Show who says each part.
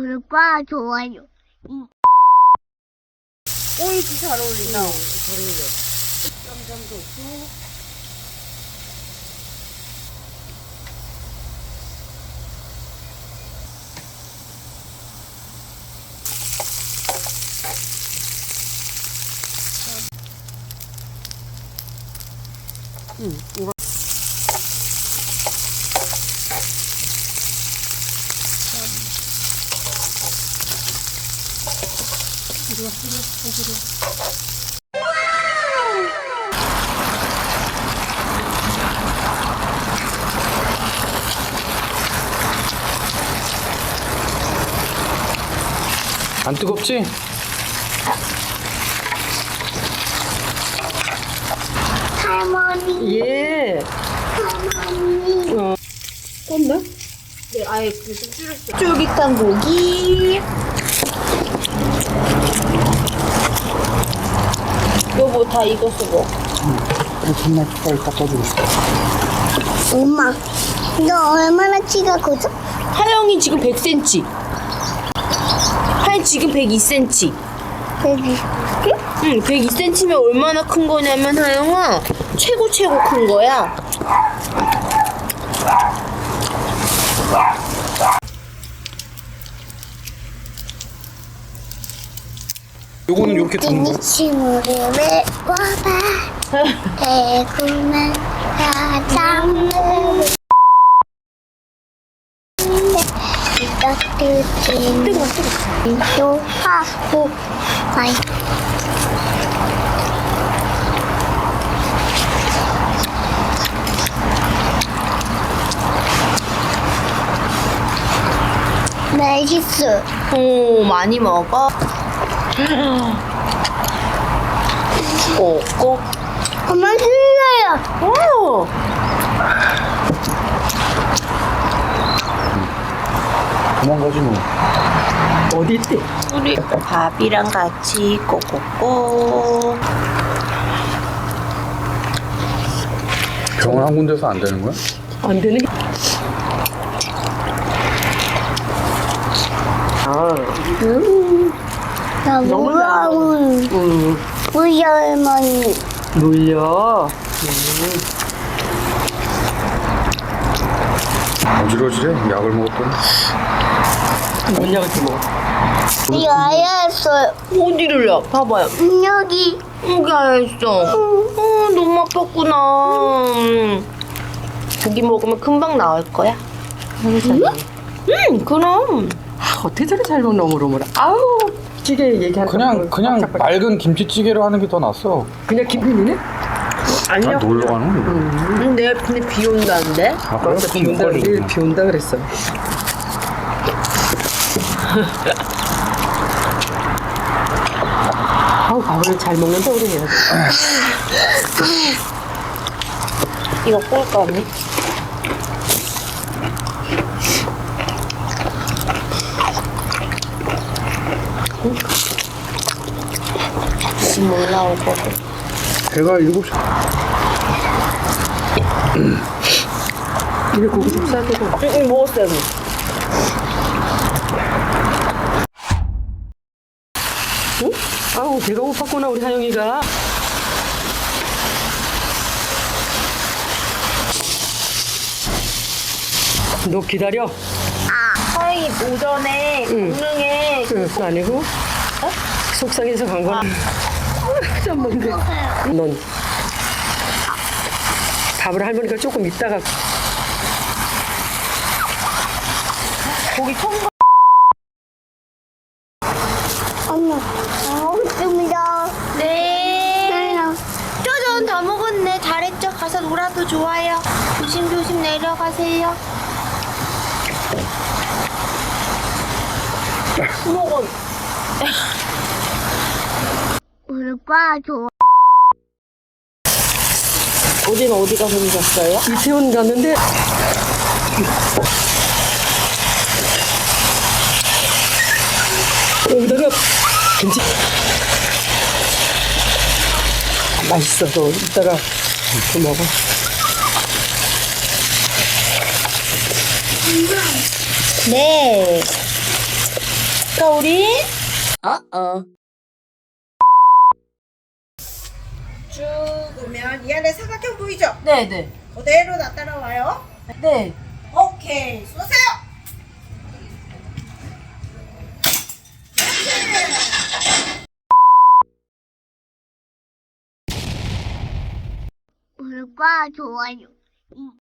Speaker 1: 구독과 좋아요.
Speaker 2: 오이지 잘 어울린다.
Speaker 3: 잘 어울려. 쌈장도 없고. 이거. 이리 와, 이리 와.
Speaker 4: 안 뜨겁지?
Speaker 1: 할머니,
Speaker 3: 예.
Speaker 1: 할머니.
Speaker 3: 껐나?
Speaker 2: 네, 아예 그좀 줄였어요.
Speaker 3: 쫄깃한 고기. 여보 다 익었어 뭐.
Speaker 4: 그래, 정말 빨리 닦아주고 싶어.
Speaker 1: 엄마, 너 얼마나 키가 커져?
Speaker 3: 하영이 지금 100cm. 하영 지금 102cm.
Speaker 1: 여기.
Speaker 3: 응, 102cm면 얼마나 큰 거냐면 하영아 최고 큰 거야.
Speaker 4: 요거는 이렇게 두는 거야.
Speaker 1: 친구를 메꿔봐. 달콤한 사랑을. 따뜻한 또 하고 아이. 맛있어.
Speaker 3: 오, 많이 먹어. 꼭꼭.
Speaker 1: 엄마 힘들어요.
Speaker 3: 오.
Speaker 4: 도망가지 뭐.
Speaker 3: 어디 있대? 우리 밥이랑 같이 꼭꼭꼭.
Speaker 4: 병원 한 군데서 안 되는 거야?
Speaker 3: 안 되는 게. 아,
Speaker 1: 나 무서운 우리 할머니.
Speaker 3: 물려.
Speaker 4: 어지러지래? 약을 먹었더니.
Speaker 3: 뭔 약을 좀 먹어?
Speaker 1: 이 아야했어요.
Speaker 3: 어디를요? 봐봐요.
Speaker 1: 여기.
Speaker 3: 여기 아야했어. 너무 아팠구나. 고기 먹으면 금방 나을 거야. 그럼.
Speaker 5: 어떻게 저리 잘 먹나 오물오물. 아우 찌개 얘기하는
Speaker 4: 그냥 맑은 김치찌개로 하는 게 더 낫어.
Speaker 5: 그냥 김빈이네?
Speaker 4: 아, 놀러 가는?
Speaker 3: 내일 근데 비 온다는데?
Speaker 4: 아, 그래?
Speaker 5: 맞아, 비 온다 내일 비 온다 그랬어. 아우 밥을 잘 먹는다 우리 얘.
Speaker 3: 이거 꿀까 언니? 지금 올라올 거고.
Speaker 4: 배가 7시.
Speaker 5: 이게 고기 좀 싸대고.
Speaker 3: 응, 먹었어요 언니.
Speaker 5: 응? 아우 배가 고팠구나 우리 하영이가. 너 기다려.
Speaker 3: 서희 오전에 강릉에
Speaker 5: 그거 아니고 속상해서 간 거야. 좀 뭔데? 넌 밥을 할머니가 조금 이따가
Speaker 3: 고기 처음
Speaker 1: 엄마. 고맙습니다.
Speaker 3: 네. 쪼전 다 먹었네. 잘했죠? 가서 놀아도 좋아요. 조심조심 내려가세요. 먹어.
Speaker 1: 구독과 좋아요.
Speaker 3: 어제는 어디 가서 오셨어요?
Speaker 5: 이태원 갔는데 여기다가 김치 맛있어. 너 이따가 또 먹어.
Speaker 3: 네. 까 우리?
Speaker 2: 쭉 오면 이 안에 사각형 보이죠?
Speaker 3: 네네.
Speaker 2: 그대로 나 따라와요.
Speaker 3: 네.
Speaker 2: 오케이, 쏘세요.
Speaker 1: 구독과 좋아요.